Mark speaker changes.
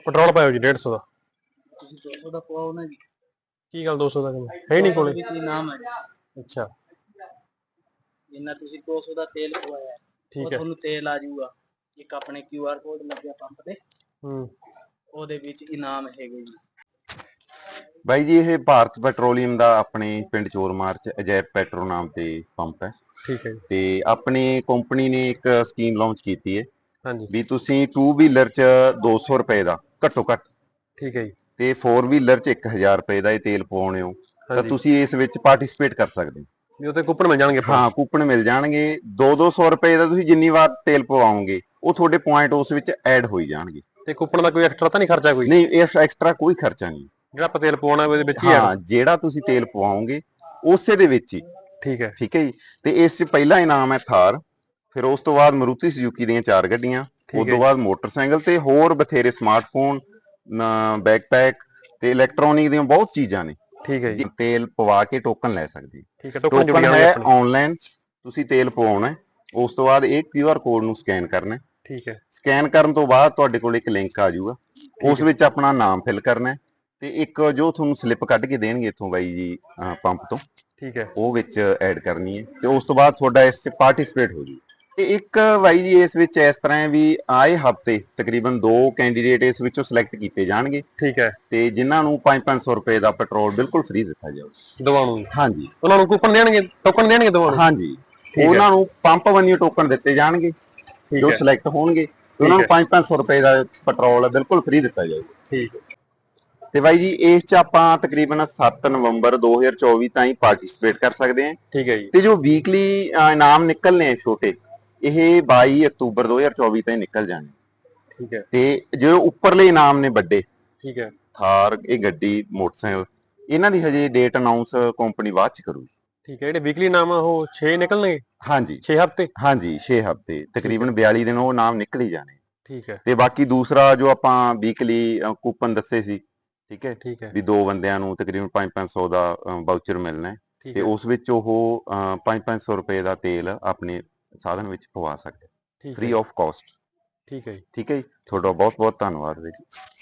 Speaker 1: Petrol ਪਾਇਓ ਜੀ 150 ਦਾ।
Speaker 2: ਤੁਸੀਂ 200 ਦਾ ਪਵਾਓ ਨਾ ਜੀ।
Speaker 1: ਕੀ ਗੱਲ 200 ਦਾ ਹੈ ਹੀ ਨਹੀਂ ਕੋਲੇ?
Speaker 2: ਵਿੱਚ ਇਨਾਮ ਹੈ ਜੀ।
Speaker 1: ਅੱਛਾ
Speaker 2: ਜਿੰਨਾ ਤੁਸੀਂ 200 ਦਾ ਤੇਲ ਪਵਾਇਆ ਉਹ ਤੁਹਾਨੂੰ ਤੇਲ ਆ ਜਾਊਗਾ। ਇੱਕ ਆਪਣੇ QR ਕੋਡ ਲੱਗਿਆ ਪੰਪ ਤੇ, ਉਹਦੇ ਵਿੱਚ ਇਨਾਮ ਹੈਗੇ ਜੀ।
Speaker 3: ਬਾਈ ਜੀ ਇਹ ਭਾਰਤ ਪੈਟਰੋਲੀਅਮ ਦਾ ਆਪਣੇ ਪਿੰਡ ਚੋਰਮਾਰ ਚ ਅਜੈਬ ਪੈਟਰੋ ਨਾਮ ਤੇ ਪੰਪ ਹੈ।
Speaker 1: ਠੀਕ ਹੈ ਜੀ।
Speaker 3: ਤੇ ਆਪਣੀ ਕੰਪਨੀ ਨੇ ਇੱਕ ਸਕੀਮ ਲਾਂਚ ਕੀਤੀ ਹੈ
Speaker 1: ਹਾਂਜੀ
Speaker 3: ਵੀ ਤੁਸੀਂ 2 ਵੀਲਰ ਚ 200 ਰੁਪਏ ਦਾ ਘੱਟੋ ਘੱਟ,
Speaker 1: ਠੀਕ ਹੈ ਜੀ,
Speaker 3: ਤੇ 4 ਵੀਲਰ ਚ 1000 ਰੁਪਏ ਦਾ ਇਹ ਤੇਲ ਪਵਾਉਣੇ ਹੋ ਤਾਂ ਤੁਸੀਂ ਇਸ ਵਿੱਚ ਪਾਰਟਿਸਿਪੇਟ ਕਰ ਸਕਦੇ ਹੋ।
Speaker 1: ਵੀ ਉੱਤੇ ਕੂਪਨ ਮਿਲ ਜਾਣਗੇ?
Speaker 3: ਹਾਂ ਕੂਪਨ ਮਿਲ ਜਾਣਗੇ। 200 ਰੁਪਏ ਦਾ ਤੁਸੀਂ ਜਿੰਨੀ ਵਾਰ ਤੇਲ ਪਵਾਓਗੇ ਉਹ ਤੁਹਾਡੇ ਪੁਆਇੰਟ ਉਸ ਵਿੱਚ ਐਡ ਹੋਈ ਜਾਣਗੇ।
Speaker 1: ਤੇ ਕੂਪਨ ਦਾ ਕੋਈ ਐਕਸਟਰਾ ਤਾਂ ਨਹੀਂ ਖਰਚਾ? ਕੋਈ
Speaker 3: ਨਹੀਂ, ਇਸ ਐਕਸਟਰਾ ਕੋਈ ਖਰਚਾ ਨਹੀਂ।
Speaker 1: ਜਿਹੜਾ ਆਪਾਂ ਤੇਲ ਪਵਾਉਣਾ ਉਹਦੇ ਵਿੱਚ ਹੀ
Speaker 3: ਹਾਂ, ਜਿਹੜਾ ਤੁਸੀਂ ਤੇਲ ਪਵਾਓਗੇ ਉਸੇ ਦੇ ਵਿੱਚ ਹੀ।
Speaker 1: ਠੀਕ ਹੈ,
Speaker 3: ਠੀਕ ਹੈ ਜੀ। ਤੇ ਇਸ ਚ ਪਹਿਲਾ ਇਨਾਮ ਹੈ ਥਾਰ, ਫਿਰ ਉਸ ਤੋਂ ਬਾਅਦ ਮਾਰੂਤੀ ਸੁਜ਼ੂਕੀ ਦੀਆਂ 4 ਗੱਡੀਆਂ, ਉਸ ਤੋਂ ਬਾਅਦ ਮੋਟਰਸਾਈਕਲ ਤੇ ਹੋਰ ਬਥੇਰੇ ਸਮਾਰਟਫੋਨ, ਬੈਕਪੈਕ ਤੇ ਇਲੈਕਟ੍ਰੋਨਿਕ ਦੀਆਂ ਬਹੁਤ ਚੀਜ਼ਾਂ ਨੇ।
Speaker 1: ਠੀਕ ਹੈ ਜੀ।
Speaker 3: ਤੇਲ ਪਵਾ ਕੇ ਟੋਕਨ ਲੈ ਸਕਦੇ।
Speaker 1: ਠੀਕ ਹੈ,
Speaker 3: ਟੋਕਨ ਹੈ ਆਨਲਾਈਨ, ਤੁਸੀਂ ਤੇਲ ਪਵਾਉਣਾ, ਉਸ ਤੋਂ ਬਾਅਦ ਇਹ QR ਕੋਡ ਨੂੰ ਸਕੈਨ ਕਰਨਾ।
Speaker 1: ਠੀਕ ਹੈ।
Speaker 3: ਸਕੈਨ ਕਰਨ ਤੋਂ ਬਾਅਦ ਤੁਹਾਡੇ ਕੋਲ ਇੱਕ ਲਿੰਕ ਆ ਜਾਊਗਾ, ਉਸ ਵਿੱਚ ਆਪਣਾ ਨਾਮ ਫਿਲ ਕਰਨਾ ਤੇ ਇੱਕ ਜੋ ਤੁਹਾਨੂੰ ਸਲਿੱਪ ਕੱਢ ਕੇ ਦੇਣਗੇ ਇੱਥੋਂ ਬਾਈ ਜੀ ਪੰਪ ਤੋਂ,
Speaker 1: ਠੀਕ ਹੈ,
Speaker 3: ਉਹ ਵਿੱਚ ਐਡ ਕਰਨੀ ਹੈ ਤੇ ਉਸ ਤੋਂ ਬਾਅਦ ਤੁਹਾਡਾ ਇਸ 'ਚ ਪਾਰਟਿਸਿਪੇਟ ਹੋ ਜੂ। ਤੇ ਇੱਕ ਬਾਈ ਜੀ ਇਸ ਵਿੱਚ ਇਸ ਤਰ੍ਹਾਂ ਹੈ ਵੀ ਆਏ ਹਫ਼ਤੇ ਤਕਰੀਬਨ 2 ਕੈਂਡੀਡੇਟ ਇਸ ਵਿੱਚੋਂ ਸਿਲੈਕਟ ਕੀਤੇ ਜਾਣਗੇ।
Speaker 1: ਠੀਕ ਹੈ।
Speaker 3: ਤੇ ਜਿਨ੍ਹਾਂ ਨੂੰ 500 ਰੁਪਏ ਦਾ ਪੈਟਰੋਲ ਬਿਲਕੁਲ ਫ੍ਰੀ ਦਿੱਤਾ ਜਾਊਗਾ
Speaker 1: ਦੋਵਾਂ ਨੂੰ?
Speaker 3: ਹਾਂਜੀ।
Speaker 1: ਉਹਨਾਂ ਨੂੰ ਕੂਪਨ ਦੇਣਗੇ, ਟੋਕਨ ਦੇਣਗੇ ਦੋਵਾਂ ਨੂੰ?
Speaker 3: ਹਾਂਜੀ, ਉਹਨਾਂ ਨੂੰ ਪੰਪ ਵੰਨਿਓ ਟੋਕਨ ਦਿੱਤੇ ਜਾਣਗੇ ਜੋ ਸਿਲੈਕਟ ਹੋਣਗੇ ਤੇ ਉਹਨਾਂ ਨੂੰ 500 ਰੁਪਏ ਦਾ ਪੈਟਰੋਲ ਬਿਲਕੁਲ ਫ੍ਰੀ ਦਿੱਤਾ ਜਾਊਗਾ।
Speaker 1: ਠੀਕ ਹੈ।
Speaker 3: ਤੇ ਬਾਈ ਜੀ ਇਸ 'ਚ ਆਪਾਂ ਤਕਰੀਬਨ 7 ਨਵੰਬਰ 2024 ਤਾਈਂ ਪਾਰਟਿਸਿਪੇਟ ਕਰ ਸਕਦੇ ਹਾਂ।
Speaker 1: ਠੀਕ ਹੈ ਜੀ।
Speaker 3: ਤੇ ਜੋ ਵੀਕਲੀ ਇਨਾਮ ਨਿਕਲਨੇ ਆ ਛੋਟੇ, ਇਹ 22 ਅਕਤੂਬਰ 2024 ਤਾਈਂ ਨਿਕਲ ਜਾਣੇ।
Speaker 1: ਠੀਕ ਹੈ।
Speaker 3: ਤੇ ਜੋ ਉੱਪਰਲੇ ਇਨਾਮ ਨੇ ਵੱਡੇ,
Speaker 1: ਠੀਕ ਹੈ,
Speaker 3: ਥਾਰ, ਇਹ ਗੱਡੀ, ਮੋਟਰਸਾਈਕਲ, ਇਹਨਾਂ ਦੀ ਹਜੇ ਡੇਟ ਅਨਾਉਂਸ ਕੰਪਨੀ ਬਾਅਦ ਚ ਕਰੂਗੀ।
Speaker 1: ਠੀਕ ਹੈ। ਜਿਹੜੇ ਵੀਕਲੀ ਇਨਾਮ ਆ ਉਹ 6 ਨਿਕਲਣਗੇ?
Speaker 3: ਹਾਂਜੀ
Speaker 1: 6 ਹਫ਼ਤੇ?
Speaker 3: ਹਾਂਜੀ 6 ਹਫ਼ਤੇ, ਤਕਰੀਬਨ 42 ਦਿਨ ਉਹ ਇਨਾਮ ਨਿਕਲ ਹੀ ਜਾਣੇ।
Speaker 1: ਠੀਕ ਹੈ।
Speaker 3: ਤੇ ਬਾਕੀ ਦੂਸਰਾ ਜੋ ਆਪਾਂ ਵੀਕਲੀ ਕੂਪਨ ਦੱਸੇ ਸੀ, ਠੀਕ ਹੈ,
Speaker 1: ਠੀਕ ਹੈ,
Speaker 3: ਵੀ 2 ਬੰਦਿਆਂ ਨੂੰ ਤਕਰੀਬਨ 500 ਦਾ ਵਾਊਚਰ ਮਿਲਣਾ ਤੇ ਉਸ ਵਿੱਚ ਉਹ 500 ਰੁਪਏ ਦਾ ਤੇਲ ਆਪਣੇ ਸਾਧਨ ਵਿੱਚ ਪਵਾ ਸਕਦੇ, ਫ੍ਰੀ ਆਫ ਕਾਸਟ।
Speaker 1: ਠੀਕ ਹੈ ਜੀ।
Speaker 3: ਠੀਕ ਹੈ ਜੀ। ਤੁਹਾਡਾ ਬਹੁਤ ਬਹੁਤ ਧੰਨਵਾਦ ਜੀ।